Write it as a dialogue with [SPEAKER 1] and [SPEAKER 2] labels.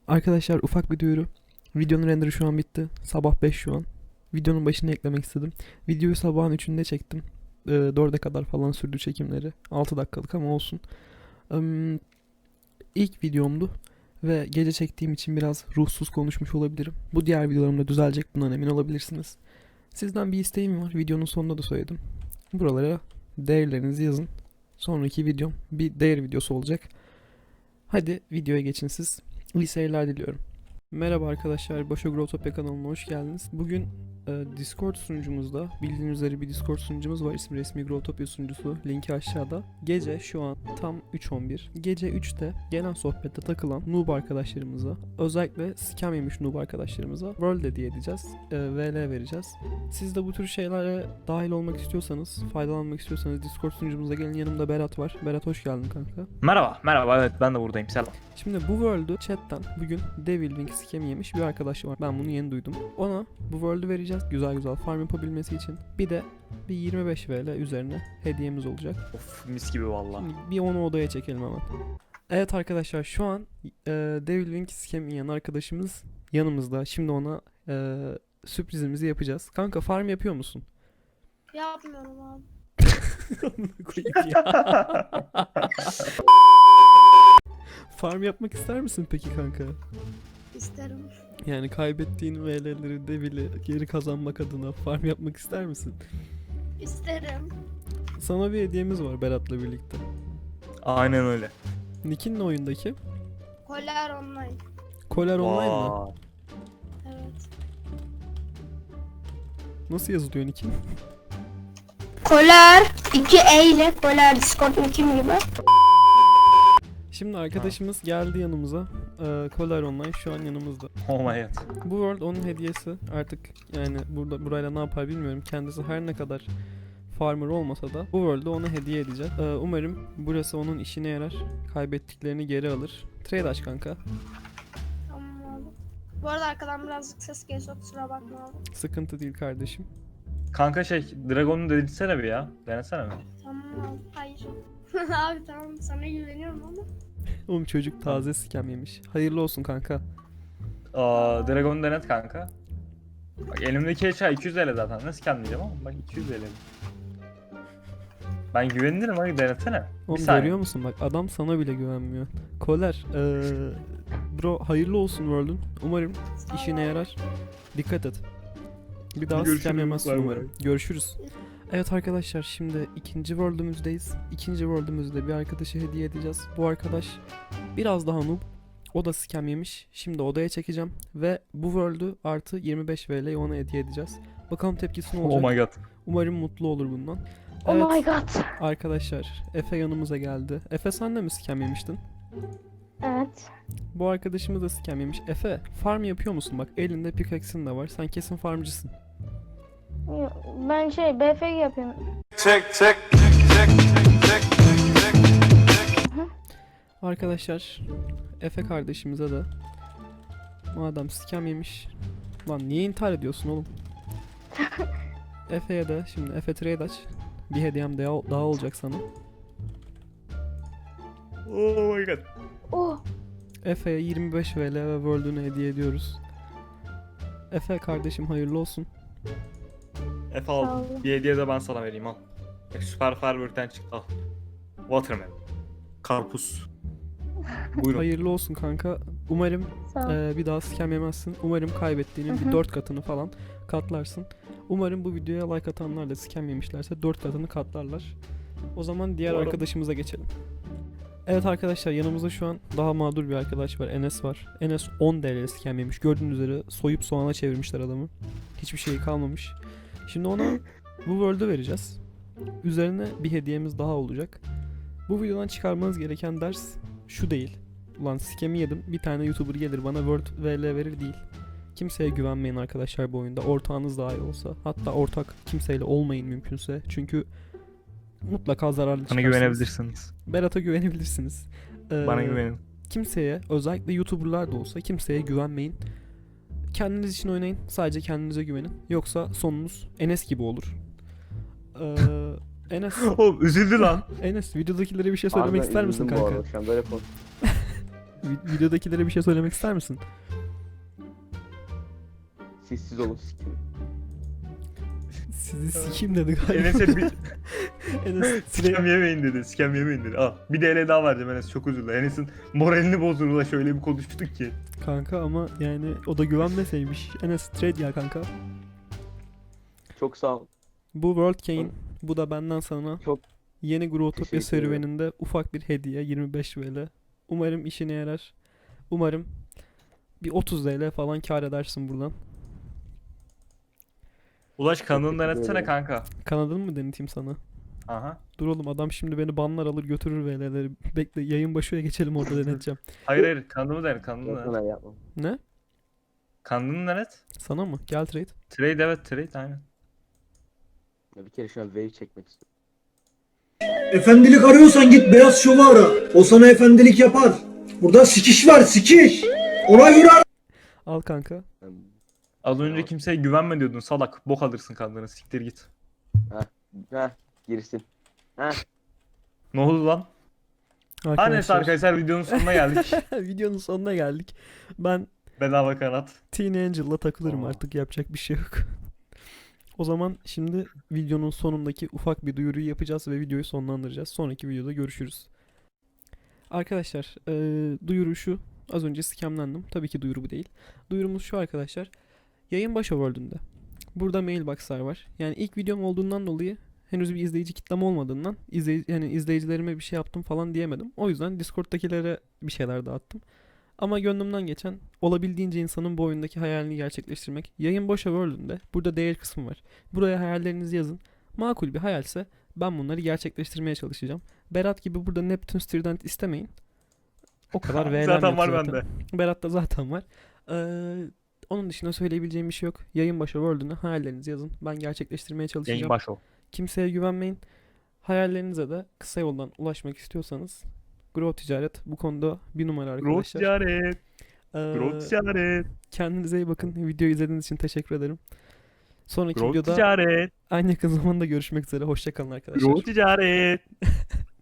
[SPEAKER 1] Arkadaşlar ufak bir duyuru. Videonun renderı şu an bitti. Sabah 5 şu an. Videonun başına eklemek istedim. Videoyu sabahın 3'ünde çektim. 4'e kadar falan sürdü çekimleri. 6 dakikalık ama olsun. İlk videomdu. Ve gece çektiğim için biraz ruhsuz konuşmuş olabilirim. Bu diğer videolarımda düzelecek, bundan emin olabilirsiniz. Sizden bir isteğim var. Videonun sonunda da söyledim. Buralara değerlerinizi yazın. Sonraki videom bir değer videosu olacak. Hadi videoya geçin siz. İyi seyirler diliyorum. Merhaba arkadaşlar, Başo Growtopia kanalına hoş geldiniz. Bugün Discord sunucumuzda, bildiğiniz üzere bir Discord sunucumuz var. İsmi resmi Growtopia sunucusu. Linki aşağıda. Gece şu an tam 3:11. Gece 3'te gelen sohbette takılan noob arkadaşlarımıza, özellikle scam yemiş noob arkadaşlarımıza World hediye edeceğiz. VL vereceğiz. Siz de bu tür şeylere dahil olmak istiyorsanız, faydalanmak istiyorsanız Discord sunucumuza gelin. Yanımda Berat var. Berat hoş geldin kanka.
[SPEAKER 2] Merhaba, evet ben de buradayım, selam.
[SPEAKER 1] Şimdi bu World'ü chatten bugün Devil Wing scam yemiş bir arkadaş var. Ben bunu yeni duydum. Ona bu World'ü vereceğiz güzel farm yapabilmesi için. Bir de bir 25 VL üzerine hediyemiz olacak.
[SPEAKER 2] Of, mis gibi valla.
[SPEAKER 1] Şimdi bir onu odaya çekelim hemen. Evet arkadaşlar, şu an Devil Wing scam yiyen arkadaşımız yanımızda. Şimdi ona sürprizimizi yapacağız. Kanka farm yapıyor musun?
[SPEAKER 3] Yapmıyorum abi.
[SPEAKER 1] Amına koyayım ya. Farm yapmak ister misin peki kanka?
[SPEAKER 3] İsterim.
[SPEAKER 1] Yani kaybettiğin VL'leri Devil'i geri kazanmak adına farm yapmak ister misin?
[SPEAKER 3] İsterim.
[SPEAKER 1] Sana bir hediyemiz var Berat'la birlikte.
[SPEAKER 2] Aynen öyle.
[SPEAKER 1] Nick'in ne oyundaki?
[SPEAKER 3] Koller online.
[SPEAKER 1] Koler Online mı?
[SPEAKER 2] Vay.
[SPEAKER 3] Evet.
[SPEAKER 1] Nasıl yazılıyor Nick'in?
[SPEAKER 3] Koller 2 E ile Koller Discord kim gibi.
[SPEAKER 1] Şimdi arkadaşımız geldi yanımıza. Koler Online şu an yanımızda.
[SPEAKER 2] Oh my god.
[SPEAKER 1] Bu World onun hediyesi. Artık yani burayla ne yapar bilmiyorum. Kendisi her ne kadar farmer olmasa da bu World'ü ona hediye edeceğiz. Umarım burası onun işine yarar. Kaybettiklerini geri alır. Trade aç kanka.
[SPEAKER 3] Tamam abi. Bu arada arkadan birazcık ses geliyor, kusura bakma abi.
[SPEAKER 1] Sıkıntı değil kardeşim.
[SPEAKER 2] Kanka Dragon'u denesene bir ya. Denesene mi?
[SPEAKER 3] Tamam abi. Hayır. Abi tamam, sana güveniyorum ama.
[SPEAKER 1] Oğlum çocuk taze scam yemiş. Hayırlı olsun kanka.
[SPEAKER 2] Dragon'u denet kanka. Bak elimdeki eşya 200 TL zaten. Nasıl diyeceğim ama bak 200 TL. Ben güvenirim, hadi denesene.
[SPEAKER 1] Oğlum
[SPEAKER 2] saniye.
[SPEAKER 1] görüyor musun bak, adam sana bile güvenmiyor. Koler, bro hayırlı olsun World'un. Umarım
[SPEAKER 3] Sağ ol
[SPEAKER 1] işine
[SPEAKER 3] abi.
[SPEAKER 1] yarar. Dikkat et. Bir daha
[SPEAKER 2] Görüşürüz,
[SPEAKER 1] scam yemezsin
[SPEAKER 2] bay bay.
[SPEAKER 1] umarım. Görüşürüz. Evet arkadaşlar, şimdi ikinci World'ümüzdeyiz. İkinci World'ümüzde bir arkadaşı hediye edeceğiz. Bu arkadaş biraz daha noob. O da scam yemiş. Şimdi odaya çekeceğim ve bu World'ü artı 25 VL'yi ona hediye edeceğiz. Bakalım tepkisi ne olacak.
[SPEAKER 2] Oh my god.
[SPEAKER 1] Umarım mutlu olur bundan.
[SPEAKER 3] Oh
[SPEAKER 1] Evet.
[SPEAKER 3] my god.
[SPEAKER 1] Arkadaşlar, Efe yanımıza geldi. Efe, sen de mi scam yemiştin?
[SPEAKER 3] Evet.
[SPEAKER 1] Bu arkadaşımız da scam yemiş. Efe, farm yapıyor musun? Bak elinde pickaxe'in de var. Sen kesin farmcısın.
[SPEAKER 3] Ben BFG yapıyorum.
[SPEAKER 1] Arkadaşlar, Efe kardeşimize de madem scam yemiş. Lan niye intihar ediyorsun oğlum? Efe'ye de şimdi Efe trade aç. Bir hediyem daha olacak sana.
[SPEAKER 2] Oh my god.
[SPEAKER 3] Oh.
[SPEAKER 1] Efe'ye 25 VL ve World'ünü hediye ediyoruz. Efe kardeşim hayırlı olsun.
[SPEAKER 2] Efe
[SPEAKER 3] Sağ
[SPEAKER 2] al.
[SPEAKER 3] ol.
[SPEAKER 2] Bir hediye de ben sana vereyim, al. Bak Süper Firework'ten çıktı, al. Watermelon. Karpuz. Buyurun.
[SPEAKER 1] Hayırlı olsun kanka. Umarım
[SPEAKER 3] Sağ ol.
[SPEAKER 1] bir daha scam yemezsin. Umarım kaybettiğinin bir 4 katını falan katlarsın. Umarım bu videoya like atanlar da scam yemişlerse 4 katını katlarlar. O zaman diğer
[SPEAKER 2] Umarım.
[SPEAKER 1] arkadaşımıza geçelim. Evet arkadaşlar, yanımızda şu an daha mağdur bir arkadaş var. Enes var. Enes 10 TL scam yemiş. Gördüğünüz üzere soyup soğana çevirmişler adamı. Hiçbir şey kalmamış. Şimdi ona bu World'ü vereceğiz. Üzerine bir hediyemiz daha olacak. Bu videodan çıkarmanız gereken ders şu değil. Ulan scam'i yedim, bir tane YouTuber gelir bana World VL verir değil. Kimseye güvenmeyin arkadaşlar bu oyunda. Ortağınız dahi olsa. Hatta ortak kimseyle olmayın mümkünse. Çünkü mutlaka zararlı
[SPEAKER 2] Bana
[SPEAKER 1] çıkarsınız.
[SPEAKER 2] güvenebilirsiniz.
[SPEAKER 1] Berat'a güvenebilirsiniz.
[SPEAKER 2] Bana güvenin.
[SPEAKER 1] Kimseye, özellikle YouTuber'lar da olsa kimseye güvenmeyin. Kendiniz için oynayın. Sadece kendinize güvenin. Yoksa sonunuz Enes gibi olur. Enes,
[SPEAKER 2] Oğlum üzüldü lan.
[SPEAKER 1] Enes videodakilere bir şey söylemek ister misin kanka?
[SPEAKER 4] Şu an böyle
[SPEAKER 1] Videodakilere bir şey söylemek ister misin?
[SPEAKER 4] Sessiz olun sikim.
[SPEAKER 1] Sizi sikeyim dedi galiba.
[SPEAKER 2] Enes'e bir
[SPEAKER 1] Enes
[SPEAKER 2] sikem yemeyin dedi. Sikem yemeyin dedi. Al bir de ele daha vereceğim Enes, çok üzüldü. Enes'in moralini bozduğunu da şöyle bir konuştuk ki.
[SPEAKER 1] kanka ama yani o da güvenmeseymiş. Enes trade ya kanka.
[SPEAKER 4] Çok sağ ol.
[SPEAKER 1] Bu World Cane. Bu da benden sana.
[SPEAKER 4] Çok
[SPEAKER 1] Yeni Growtopia
[SPEAKER 4] teşekkür ederim.
[SPEAKER 1] serüveninde ufak bir hediye 25 VL. Umarım işine yarar. Umarım bir 30 TL falan kar edersin buradan.
[SPEAKER 2] Ulaş kanalını
[SPEAKER 4] teşekkür
[SPEAKER 2] denetsene
[SPEAKER 4] ederim.
[SPEAKER 2] kanka.
[SPEAKER 1] Kanadını mı deneteyim sana?
[SPEAKER 2] Aha.
[SPEAKER 1] Dur oğlum adam şimdi beni banlar alır götürür VL'leri. Bekle yayın başına geçelim orada deneteceğim.
[SPEAKER 2] Hayır kanalımı denet, kanalımı denet.
[SPEAKER 4] yapma yapma.
[SPEAKER 1] Ne?
[SPEAKER 2] Kanalını denet.
[SPEAKER 1] Sana mı? Gel trade.
[SPEAKER 2] Trade, evet trade aynen.
[SPEAKER 4] Ya bir kere şu an wave çekmek istiyorum.
[SPEAKER 5] Efendilik arıyorsan git Beyaz Şov'u ara. O sana efendilik yapar. Burada sikiş var sikiş. Ona göre ara.
[SPEAKER 1] Al kanka.
[SPEAKER 2] Az önce
[SPEAKER 4] Tamam.
[SPEAKER 2] kimseye güvenme diyordun salak. Bok alırsın kanalını, siktir git.
[SPEAKER 4] Heh girsin. Heh.
[SPEAKER 2] Ne oldu lan? Her neyse arkadaşlar videonun sonuna geldik.
[SPEAKER 1] Videonun sonuna geldik. Ben
[SPEAKER 2] Bedava kanat.
[SPEAKER 1] Teen Angel'la takılırım
[SPEAKER 2] Aa.
[SPEAKER 1] artık yapacak bir şey yok. O zaman şimdi videonun sonundaki ufak bir duyuruyu yapacağız ve videoyu sonlandıracağız. Sonraki videoda görüşürüz. Arkadaşlar duyuru şu. Az önce scamlendim. Tabii ki duyuru bu değil. Duyurumuz şu arkadaşlar. Yayın başı World'ünde. Burada mailbox'lar var. Yani ilk videom olduğundan dolayı henüz bir izleyici kitlem olmadığından yani izleyicilerime bir şey yaptım falan diyemedim. O yüzden Discord'dakilere bir şeyler dağıttım. Ama gönlümden geçen olabildiğince insanın bu oyundaki hayalini gerçekleştirmek. Yayın boşa World'ünde burada değer kısmı var. Buraya hayallerinizi yazın. Makul bir hayalse ben bunları gerçekleştirmeye çalışacağım. Berat gibi burada Neptune Trident istemeyin. O kadar VL'm
[SPEAKER 2] Zaten
[SPEAKER 1] yok
[SPEAKER 2] var
[SPEAKER 1] zaten.
[SPEAKER 2] bende.
[SPEAKER 1] Berat'ta zaten var. Onun dışında söyleyebileceğim bir şey yok. Yayın başı World'üne hayallerinizi yazın. Ben gerçekleştirmeye çalışacağım.
[SPEAKER 2] Yayın baş o.
[SPEAKER 1] Kimseye güvenmeyin. Hayallerinize de kısa yoldan ulaşmak istiyorsanız Grow Ticaret bu konuda bir numara
[SPEAKER 2] Growth
[SPEAKER 1] arkadaşlar.
[SPEAKER 2] ticaret.
[SPEAKER 1] Ee,
[SPEAKER 2] Growth ticaret.
[SPEAKER 1] Kendinize iyi bakın. Videoyu izlediğiniz için teşekkür ederim. Sonraki
[SPEAKER 2] Growth
[SPEAKER 1] videoda
[SPEAKER 2] ticaret.
[SPEAKER 1] aynı yakın zamanda görüşmek üzere. Hoşça kalın arkadaşlar.
[SPEAKER 2] Growth ticaret.